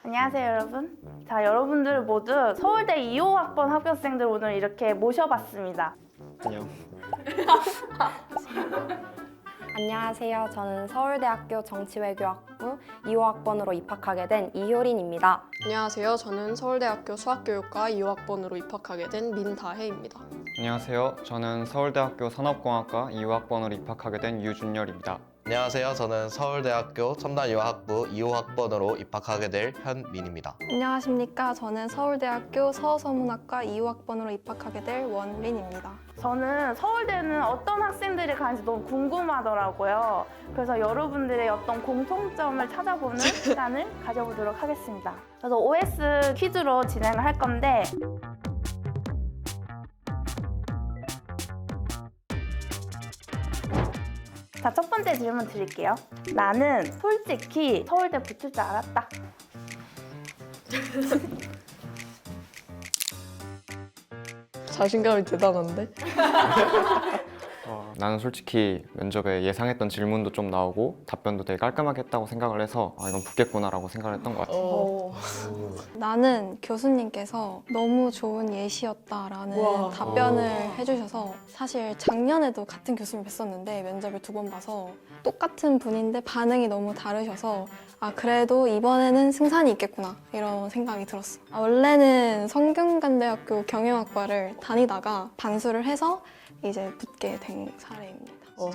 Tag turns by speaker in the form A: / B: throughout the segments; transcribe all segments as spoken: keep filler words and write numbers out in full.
A: 안녕하세요 여러분. 자, 여러분들 모두 서울대 이 호 학번 합격생들 오늘 이렇게 모셔봤습니다.
B: 안녕.
C: 안녕하세요. 저는 서울대학교 정치외교학부 이 호 학번으로 입학하게 된 이효린입니다.
D: 안녕하세요. 저는 서울대학교 수학교육과 이 호 학번으로 입학하게 된 민다혜입니다.
B: 안녕하세요. 저는 서울대학교 산업공학과 이 호 학번으로 입학하게 된 유준열입니다.
E: 안녕하세요. 저는 서울대학교 첨단유아학부 이 호 학번으로 입학하게 될 현민입니다.
F: 안녕하십니까. 저는 서울대학교 서서문학과 이 호 학번으로 입학하게 될 원린입니다.
A: 저는 서울대는 어떤 학생들이 가는지 너무 궁금하더라고요. 그래서 여러분들의 어떤 공통점을 찾아보는 시간을 가져보도록 하겠습니다. 그래서 오에스 퀴즈로 진행을 할 건데 자, 첫 번째 질문 드릴게요. 나는 솔직히 서울대 붙을 줄 알았다.
D: 자신감이 대단한데?
B: 어, 나는 솔직히 면접에 예상했던 질문도 좀 나오고 답변도 되게 깔끔하게 했다고 생각을 해서 아, 이건 붙겠구나라고 생각을 했던 것 같아요.
D: 어.
F: 나는 교수님께서 너무 좋은 예시였다라는
D: 우와.
F: 답변을 해주셔서 사실 작년에도 같은 교수님 뵀었는데 면접을 두 번 봐서 똑같은 분인데 반응이 너무 다르셔서 아 그래도 이번에는 승산이 있겠구나 이런 생각이 들었어. 아, 원래는 성균관대학교 경영학과를 다니다가 반수를 해서 이제 붙게 된 사례입니다.
D: 어.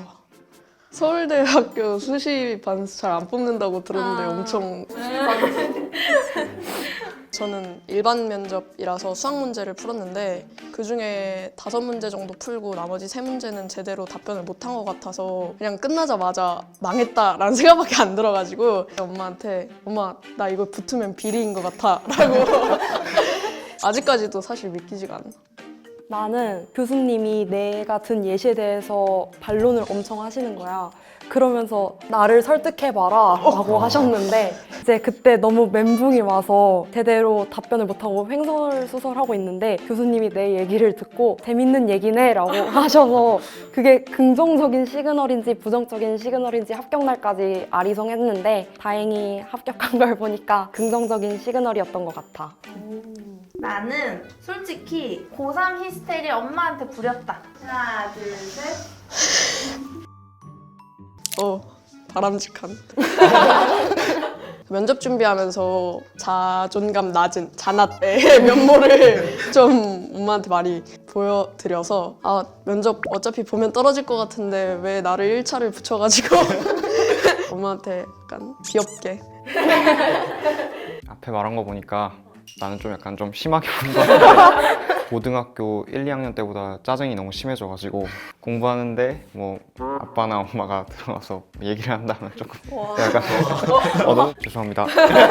D: 서울대학교 수시 반수 잘 안 뽑는다고 들었는데
F: 아.
D: 엄청 저는 일반 면접이라서 수학 문제를 풀었는데 그중에 다섯 문제 정도 풀고 나머지 세 문제는 제대로 답변을 못한 것 같아서 그냥 끝나자마자 망했다라는 생각밖에 안 들어가지고 엄마한테 엄마 나 이거 붙으면 비리인 것 같아 라고 아직까지도 사실 믿기지가 않아.
C: 나는 교수님이 내가 든 예시에 대해서 반론을 엄청 하시는 거야. 그러면서 나를 설득해봐라 라고 하셨는데 이제 그때 너무 멘붕이 와서 제대로 답변을 못하고 횡설수설하고 있는데 교수님이 내 얘기를 듣고 재밌는 얘기네 라고 하셔서 그게 긍정적인 시그널인지 부정적인 시그널인지 합격날까지 아리송했는데 다행히 합격한 걸 보니까 긍정적인 시그널이었던 것 같아.
A: 나는 솔직히 고삼 히스테리 엄마한테 부렸다. 하나, 둘, 셋.
D: 어, 바람직한. 면접 준비하면서 자존감 낮은 자나의 면모를 좀 엄마한테 많이 보여드려서 아, 면접 어차피 보면 떨어질 것 같은데 왜 나를 일 차를 붙여가지고 엄마한테 약간 귀엽게.
B: 앞에 말한 거 보니까 나는 좀 약간 좀 심하게 본 것 같아. 고등학교 일, 이 학년 때보다 짜증이 너무 심해져가지고 공부하는데 뭐 아빠나 엄마가 들어와서 얘기를 한다면 조금 약간 어, 너무 죄송합니다.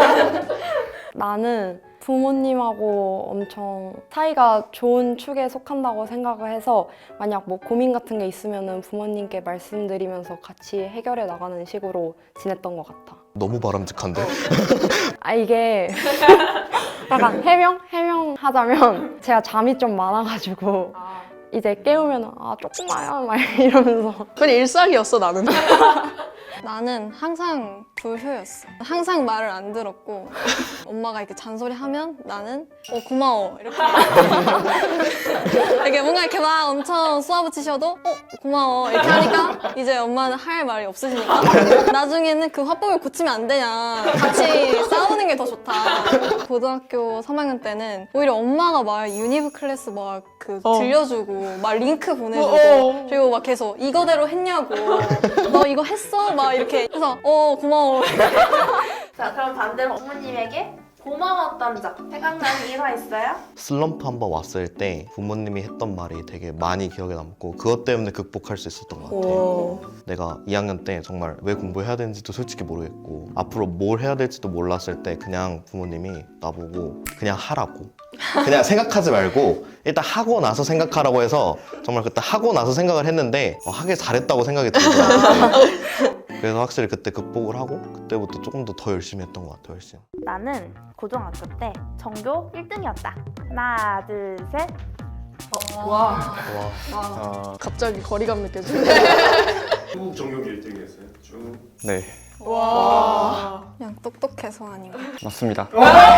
C: 나는 부모님하고 엄청 사이가 좋은 축에 속한다고 생각을 해서 만약 뭐 고민 같은 게 있으면 부모님께 말씀드리면서 같이 해결해 나가는 식으로 지냈던 것 같아.
E: 너무 바람직한데?
C: 아 이게 약간 해명? 해명하자면 제가 잠이 좀 많아가지고 이제 깨우면 아 조금만요 막 이러면서
D: 그냥 일상이었어 나는.
F: 나는 항상 불효였어. 항상 말을 안 들었고 엄마가 이렇게 잔소리하면 나는 어 고마워 이렇게 이게 뭔가 이렇게 막 엄청 쏘아붙이셔도 어 고마워 이렇게 하니까 이제 엄마는 할 말이 없으시니까 나중에는 그 화법을 고치면 안 되냐 같이 싸우는 게 더 좋다. 고등학교 삼 학년 때는 오히려 엄마가 막 유니브 클래스 막 그
D: 어.
F: 들려주고 막 링크 보내주고
D: 어.
F: 그리고 막 계속 이거대로 했냐고 너 이거 했어? 막 이렇게 해서 어 고마워.
A: 자, 그럼 반대로 어머님에게 고마웠던 적 생각나는 일화 있어요?
E: 슬럼프 한번 왔을 때 부모님이 했던 말이 되게 많이 기억에 남고 그것 때문에 극복할 수 있었던 것 같아.
D: 오.
E: 내가 이 학년 때 정말 왜 공부해야 되는지도 솔직히 모르겠고 앞으로 뭘 해야 될지도 몰랐을 때 그냥 부모님이 나보고 그냥 하라고 그냥 생각하지 말고 일단 하고 나서 생각하라고 해서 정말 그때 하고 나서 생각을 했는데 어, 하길 잘했다고 생각이 들더라고요. 그래서 확실히 그때 극복을 하고 그때부터 조금 더 더 열심히 했던 것 같아요. 훨씬.
A: 나는 고등학교 때 전교 일 등이었다. 하나, 둘, 셋.
D: 와.
E: 와.
B: 어,
D: 갑자기 거리감 느껴지네.
G: 한국 전교기 일 등이었어요. 쭉.
B: 네.
D: 와.
F: 그냥 똑똑해서 아닌가.
B: 맞습니다.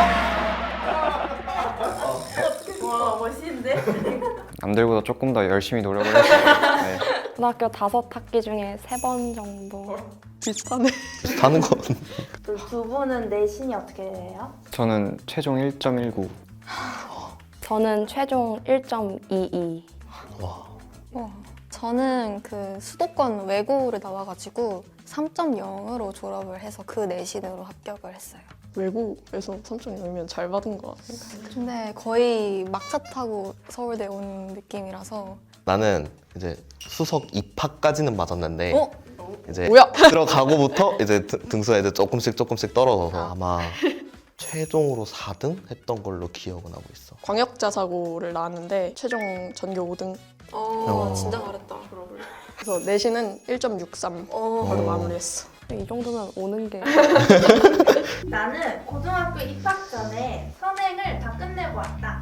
A: 와 멋있는데?
B: 남들보다 조금 더 열심히 노력을 했어요. 네.
C: 고등학교 다섯 학기 중에 세 번 정도.
D: 비슷하네.
E: 하는 건
A: 그 두 분은 내신이 어떻게 돼요?
B: 저는 최종 일 점 일구.
C: 저는 최종 일 점 이이.
F: 와, 저는 그 수도권 외고를 나와가지고 삼 점 영으로 졸업을 해서 그 내신으로 합격을 했어요.
D: 외국에서 삼 점 영이면 잘 받은 것 같아요.
F: 근데 거의 막차 타고 서울대 온 느낌이라서
E: 나는 이제 수석 입학까지는 맞았는데
F: 어?
E: 이제
D: 뭐야?
E: 들어가고부터 이제 등- 등수가 이제 조금씩 조금씩 떨어져서 아마 최종으로 사 등 했던 걸로 기억은 하고 있어.
D: 광역자 사고를 나왔는데 최종 전교 오 등.
E: 어.
F: 진짜 잘했다.
D: 그래서 내신은 일 점 육삼
F: 어.
D: 바로 마무리했어.
C: 이 정도면 오는 게.
A: 나는 고등학교 입학 전에 선행을 다 끝내고 왔다.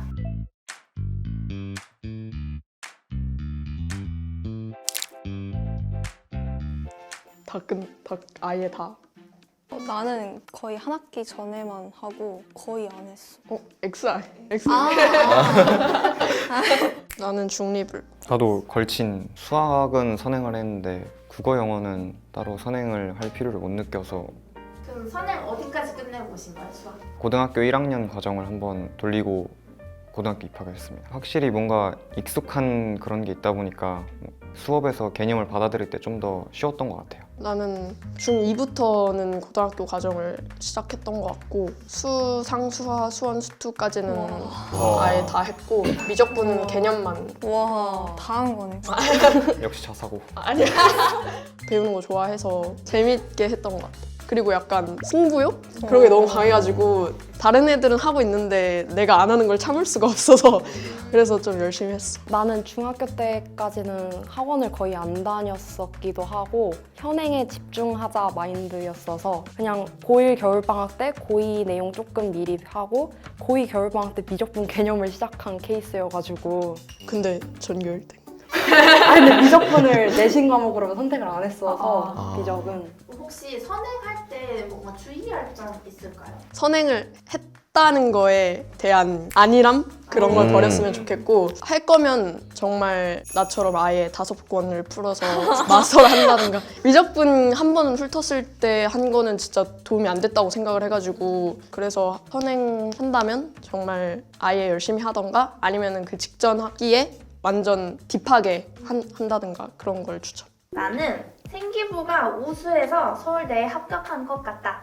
D: 다 끝, 다 아예 다.
F: 어, 나는 거의 한 학기 전에만 하고 거의 안 했어.
D: 어, 엑스알. 엑스.
F: 아,
D: 나는 중립을.
B: 나도 걸친 수학은 선행을 했는데 국어 영어는 따로 선행을 할 필요를 못 느껴서
A: 그럼 선행 어디까지 끝내고 오신 거예요, 수학?
B: 고등학교 일 학년 과정을 한번 돌리고 고등학교 입학을 했습니다. 확실히 뭔가 익숙한 그런 게 있다 보니까 수업에서 개념을 받아들일 때 좀 더 쉬웠던 것 같아요.
D: 나는 중이부터는 고등학교 과정을 시작했던 것 같고 수, 상, 수화, 수원, 수투까지는 아예 다 했고 미적분은 개념만.
F: 와, 다 한 거네.
B: 역시 자사고.
D: 아니야. 배우는 거 좋아해서 재밌게 했던 것 같아. 그리고 약간 승부욕? 그런 게 너무 강해가지고 다른 애들은 하고 있는데 내가 안 하는 걸 참을 수가 없어서 그래서 좀 열심히 했어.
C: 나는 중학교 때까지는 학원을 거의 안 다녔었기도 하고 현행에 집중하자 마인드였어서 그냥 고일 겨울방학 때 고이 내용 조금 미리 하고 고이 겨울방학 때 미적분 개념을 시작한 케이스여가지고
D: 근데 전교 일 등.
C: 아니 근데 미적분을 내신 과목으로 선택을 안 했어서
E: 아.
C: 미적은
A: 혹시 선행할 때 뭔가 주의할 점 있을까요?
D: 선행을 했다는 거에 대한 안일함? 그런 걸
E: 음.
D: 버렸으면 좋겠고 할 거면 정말 나처럼 아예 다섯 권을 풀어서 마스터를 한다든가 미적분 한 번은 훑었을 때 한 거는 진짜 도움이 안 됐다고 생각을 해가지고 그래서 선행한다면 정말 아예 열심히 하던가 아니면은 그 직전 학기에 완전 딥하게 한, 한다든가 그런 걸 추천.
A: 나는 생기부가 우수해서 서울대에 합격한 것 같다.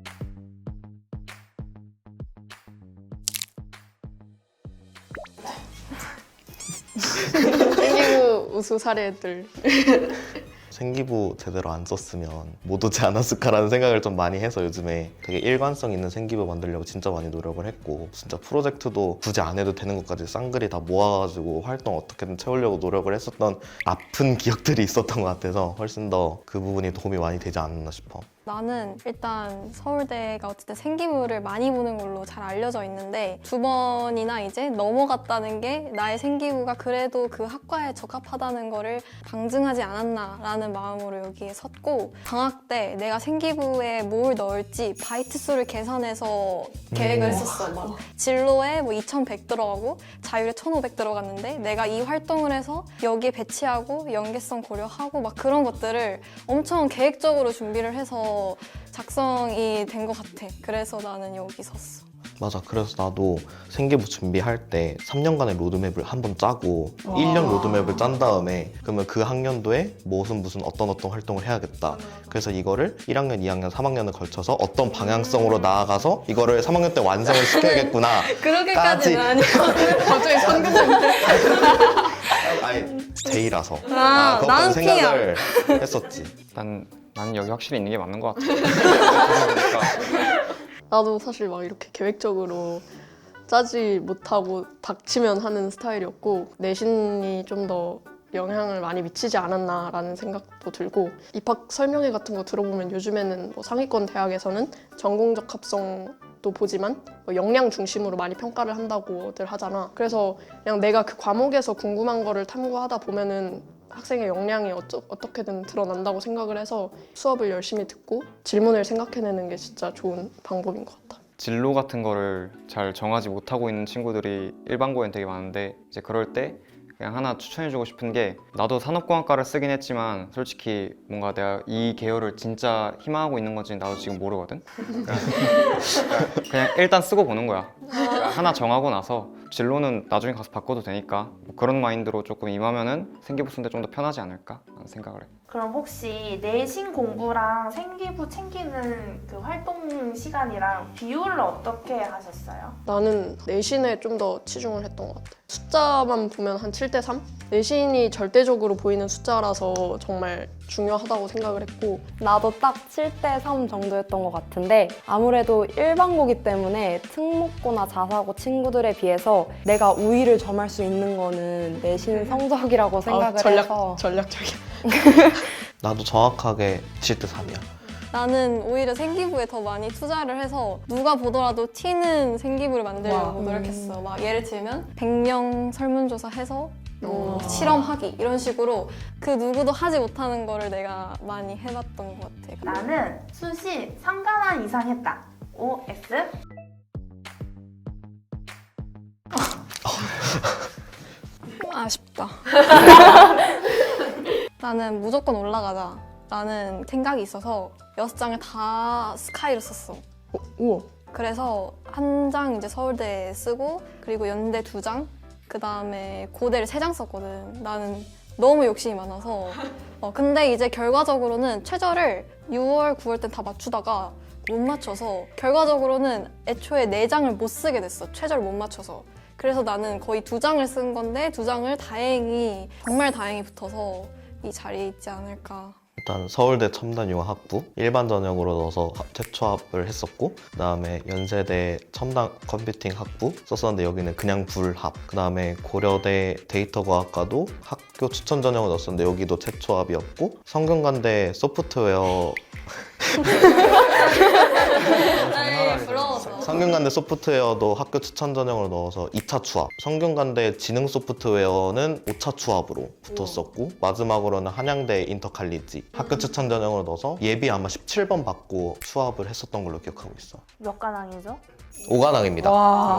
D: 생기부 우수 사례들.
E: 생기부 제대로 안 썼으면 못 오지 않았을까라는 생각을 좀 많이 해서 요즘에 되게 일관성 있는 생기부 만들려고 진짜 많이 노력을 했고 진짜 프로젝트도 굳이 안 해도 되는 것까지 쌍그리 다 모아가지고 활동 어떻게든 채우려고 노력을 했었던 아픈 기억들이 있었던 것 같아서 훨씬 더 그 부분이 도움이 많이 되지 않았나 싶어.
F: 나는 일단 서울대가 어쨌든 생기부를 많이 보는 걸로 잘 알려져 있는데 두 번이나 이제 넘어갔다는 게 나의 생기부가 그래도 그 학과에 적합하다는 거를 방증하지 않았나라는 마음으로 여기에 섰고 방학 때 내가 생기부에 뭘 넣을지 바이트 수를 계산해서 계획을 했었어. 막 진로에 뭐 이천백 들어가고 자율에 천오백 들어갔는데 내가 이 활동을 해서 여기에 배치하고 연계성 고려하고 막 그런 것들을 엄청 계획적으로 준비를 해서 작성이 된 것 같아. 그래서 나는 여기 섰어.
E: 맞아. 그래서 나도 생기부 준비할 때 삼 년간의 로드맵을 한번 짜고 일 년 로드맵을 짠 다음에 그러면 그 학년도에 무슨 무슨 어떤 어떤 활동을 해야겠다. 그래서 이거를 일 학년, 이 학년, 삼 학년을 걸쳐서 어떤 방향성으로 나아가서 이거를 삼 학년 때 완성을 시켜야겠구나.
F: 그렇게까지는
E: 까지.
F: 아니고.
D: 갑자기 상급생.
E: 아니 제이라서
F: 아,
E: 그것까지
F: 나는
E: 생각을 했었지.
B: 난 나는 여기 확실히 있는 게 맞는 것 같아. 그러니까
D: 나도 사실 막 이렇게 계획적으로 짜지 못하고 닥치면 하는 스타일이었고 내신이 좀 더 영향을 많이 미치지 않았나라는 생각도 들고 입학 설명회 같은 거 들어보면 요즘에는 뭐 상위권 대학에서는 전공적 합성도 보지만 뭐 역량 중심으로 많이 평가를 한다고들 하잖아. 그래서 그냥 내가 그 과목에서 궁금한 거를 탐구하다 보면은 학생의 역량이 어쩌, 어떻게든 드러난다고 생각을 해서 수업을 열심히 듣고 질문을 생각해내는 게 진짜 좋은 방법인 것 같아.
B: 진로 같은 거를 잘 정하지 못하고 있는 친구들이 일반고엔 되게 많은데 이제 그럴 때 그냥 하나 추천해주고 싶은 게 나도 산업공학과를 쓰긴 했지만 솔직히 뭔가 내가 이 계열을 진짜 희망하고 있는 건지 나도 지금 모르거든? 그러니까 그냥 일단 쓰고 보는 거야. 그러니까 하나 정하고 나서 진로는 나중에 가서 바꿔도 되니까 뭐 그런 마인드로 조금 임하면은 생기부 쓰는데 좀 더 편하지 않을까 라는 생각을 해.
A: 그럼 혹시 내신 공부랑 생기부 챙기는 그 활동 시간이랑 비율을 어떻게 하셨어요?
D: 나는 내신에 좀 더 치중을 했던 것 같아. 숫자만 보면 한 칠 대 삼? 내신이 절대적으로 보이는 숫자라서 정말 중요하다고 생각을 했고
C: 나도 딱 칠 대 삼 정도였던 것 같은데 아무래도 일반고기 때문에 특목고나 자사고 친구들에 비해서 내가 우위를 점할 수 있는 거는 내신 성적이라고 생각을
D: 아, 전략,
C: 해서
D: 전략적이야.
E: 나도 정확하게 칠 대 삼이야.
F: 나는 오히려 생기부에 더 많이 투자를 해서 누가 보더라도 튀는 생기부를 만들려고
C: 와.
F: 노력했어. 막 예를 들면 백 명 설문조사 해서 뭐
D: 와.
F: 실험하기 이런 식으로 그 누구도 하지 못하는 거를 내가 많이 해봤던 것 같아.
A: 나는 수시 삼 관왕 이상 했다. 오 에스?
F: 아쉽다. 나는 무조건 올라가자 라는 생각이 있어서 여섯 장을 다 스카이로 썼어.
D: 어, 우와.
F: 그래서 한 장 이제 서울대에 쓰고 그리고 연대 두 장, 그 다음에 고대를 세 장 썼거든. 나는 너무 욕심이 많아서. 어, 근데 이제 결과적으로는 최저를 유월, 구월 때 다 맞추다가 못 맞춰서 결과적으로는 애초에 네 장을 못 쓰게 됐어. 최저를 못 맞춰서. 그래서 나는 거의 두 장을 쓴 건데 두 장을 다행히 정말 다행히 붙어서 이 자리에 있지 않을까.
E: 일단 서울대 첨단융합학부 일반 전형으로 넣어서 합- 최초합을 했었고 그 다음에 연세대 첨단 컴퓨팅 학부 썼었는데 여기는 그냥 불합. 그 다음에 고려대 데이터과학과도 학교 추천 전형을 넣었었는데 여기도 최초합이었고 성균관대 소프트웨어
F: 에이, 부러워서.
E: 성균관대 소프트웨어도 학교 추천 전형으로 넣어서 이 차 추합, 성균관대 지능 소프트웨어는 오 차 추합으로 붙었었고 마지막으로는 한양대 인터칼리지 학교 추천 전형으로 넣어서 예비 아마 십칠 번 받고 추합을 했었던 걸로 기억하고 있어.
A: 몇 관왕이죠?
E: 오관왕입니다.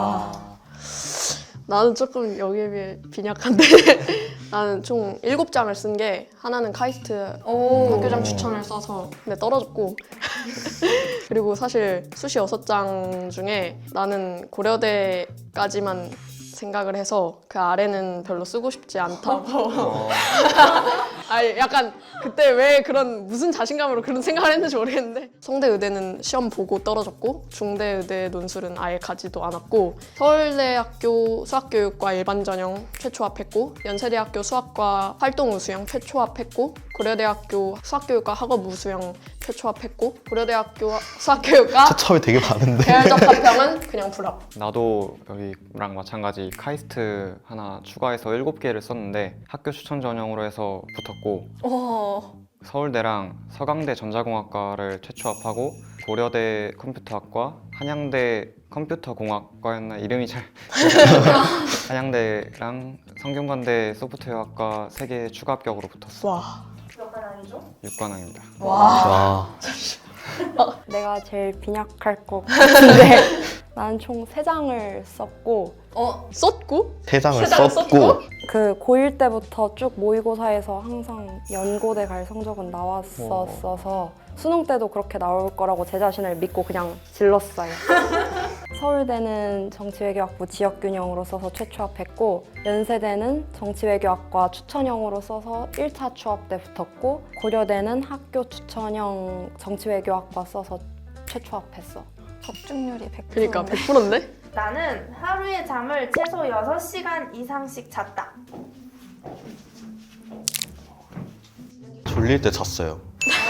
D: 나는 조금 여기에 비해 빈약한데 나는 총 일곱 장을 쓴 게 하나는 카이스트
F: 오.
D: 학교장 추천을 써서 근데 떨어졌고 그리고 사실 수시 여섯 장 중에 나는 고려대까지만 생각을 해서 그 아래는 별로 쓰고 싶지 않다고 아니 약간 그때 왜 그런 무슨 자신감으로 그런 생각을 했는지 모르겠는데 성대 의대는 시험 보고 떨어졌고 중대 의대 논술은 아예 가지도 않았고 서울대학교 수학교육과 일반전형 최초합했고 연세대학교 수학과 활동우수형 최초합했고 고려대학교 수학교육과 학업우수형 최초합했고 고려대학교 수학교육과
E: 최초합이 되게 많은데
D: 계열적 합평은 그냥 불합.
B: 나도 여기랑 마찬가지 카이스트 하나 추가해서 일곱 개를 썼는데 학교 추천 전형으로 해서 붙었고
F: 와.
B: 서울대랑 서강대 전자공학과를 최초합하고 고려대 컴퓨터학과, 한양대 컴퓨터공학과였나 이름이 잘 한양대랑 성균관대 소프트웨어학과 세 개 추가 합격으로 붙었어.
D: 와.
A: 몇 관왕이죠?
B: 육 관왕입니다.
E: 와.
C: 내가 제일 빈약할 것 같은데 나는 총 세 장을 썼고
D: 어 썼고?
E: 세 장을
D: 세 장을
E: 썼고
C: 그 고일 때부터 쭉 모의고사에서 항상 연고대 갈 성적은 나왔었어서 수능 때도 그렇게 나올 거라고 제 자신을 믿고 그냥 질렀어요. 서울대는 정치외교학부 지역균형으로 써서 최초합했고 연세대는 정치외교학과 추천형으로 써서 일 차 추합 때 붙었고 고려대는 학교 추천형 정치외교학과 써서 최초합했어.
F: 적중률이 백 퍼센트.
D: 그러니까 백 퍼센트인데?
A: 나는 하루에 잠을 최소 여섯 시간 이상씩 잤다.
E: 졸릴 때 잤어요.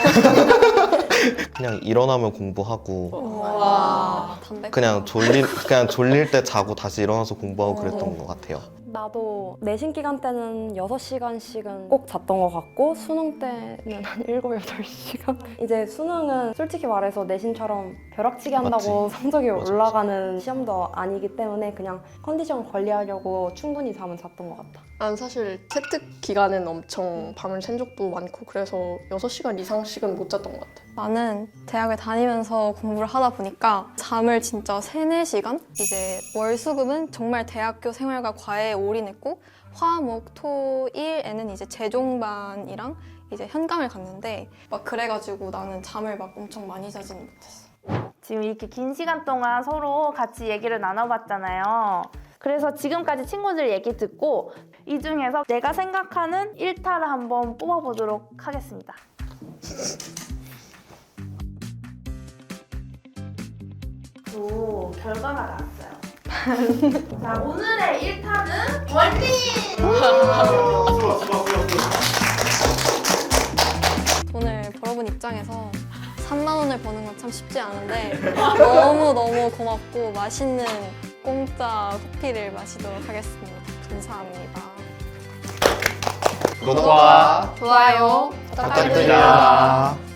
E: 그냥 일어나면 공부하고
F: 와. 담백.
E: 그냥 졸릴 그냥 졸릴 때 자고 다시 일어나서 공부하고 그랬던 것 같아요.
C: 나도 내신 기간 때는 여섯 시간씩은 꼭 잤던 것 같고 수능 때는 한 일곱, 여덟 시간? 이제 수능은 솔직히 말해서 내신처럼 벼락치기 한다고 성적이
E: 맞아,
C: 올라가는 시험도 아니기 때문에 그냥 컨디션 관리하려고 충분히 잠은 잤던 것 같아.
D: 난 사실 채특 기간엔 엄청 밤을 샌 적도 많고 그래서 여섯 시간 이상씩은 못 잤던 것 같아.
F: 나는 대학을 다니면서 공부를 하다 보니까 잠을 진짜 세네 시간? 이제 월수금은 정말 대학교 생활과 과외에 올인했고 화, 목, 토, 일에는 이제 재종반이랑 이제 현강을 갔는데 막 그래가지고 나는 잠을 막 엄청 많이 자지는 못했어.
A: 지금 이렇게 긴 시간 동안 서로 같이 얘기를 나눠봤잖아요. 그래서 지금까지 친구들 얘기 듣고 이 중에서 내가 생각하는 일타를 한번 뽑아보도록 하겠습니다. 또 결과가 나왔어요. 자, 오늘의 일타는 원빈!
F: 돈을 벌어본 입장에서 삼만 원을 버는 건 참 쉽지 않은데 너무너무 고맙고 맛있는 공짜 커피를 마시도록 하겠습니다. 감사합니다.
E: 구독과
F: 좋아요
E: 부탁드립니다.